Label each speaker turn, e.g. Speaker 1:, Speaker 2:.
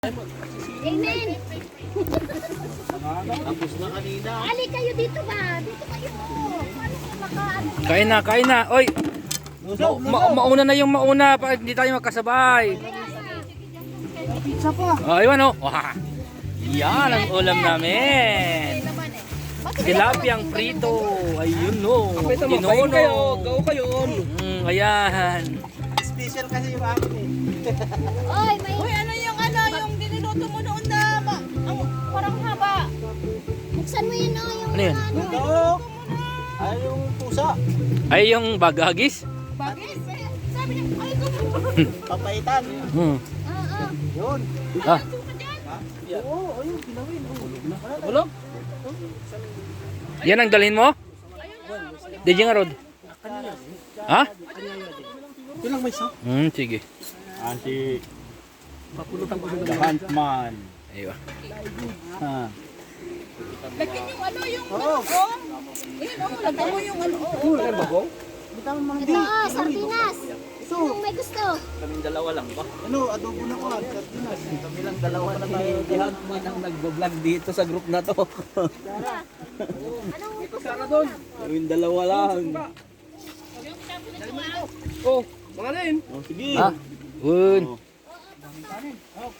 Speaker 1: Amen.
Speaker 2: Tapos na kanina.
Speaker 1: Ali kayo dito ba? Dito kayo. Paano kayo
Speaker 3: Kain na, kain na. Oy, mauna na yung mauna para hindi tayo magkasabay.
Speaker 1: Pizza po.
Speaker 3: Ayun oh. Wah. Yan ang ulam namin. Tilapiyang prito. Ayun no. Ginono.
Speaker 2: Gaw kayo.
Speaker 3: Ayan.
Speaker 2: Special kasi yung akin eh.
Speaker 1: Oy, may...
Speaker 4: Uy, yung diniluto mo noon na ang parang haba.
Speaker 1: Buksan mo yun, oh, yung...
Speaker 3: Ano yun?
Speaker 2: Oo. Ay, yung pusa.
Speaker 3: Ay yung bagagis.
Speaker 4: Bagay. Sabi niya, ay,
Speaker 2: Papaitan.
Speaker 3: Hmm.
Speaker 1: Oo.
Speaker 2: Yun.
Speaker 3: Ah,
Speaker 2: Oo, ayun, ginawin.
Speaker 3: bulog. Yan ang dalhin mo? DJ nga Rod. Ha?
Speaker 2: Yun lang may isa.
Speaker 3: Sige.
Speaker 2: Anti. The Huntman.
Speaker 3: Ayun.
Speaker 2: Ha.
Speaker 4: lagyan yung yung
Speaker 2: Oo.
Speaker 4: bagong. Ayun, lagyan mo yung
Speaker 2: Bagong?
Speaker 1: Ito, oh, sardinas. Sinong may gusto?
Speaker 2: Kaming dalawa lang ba? Ano, adobo na ko. Sardinas. Kami lang dalawa na tayo. The Huntman ang nagbablog dito sa group na to.
Speaker 1: Anong gusto
Speaker 2: Sana doon. Kaming dalawa lang.
Speaker 3: Oh,
Speaker 2: Oh, sige.
Speaker 3: ha? Good.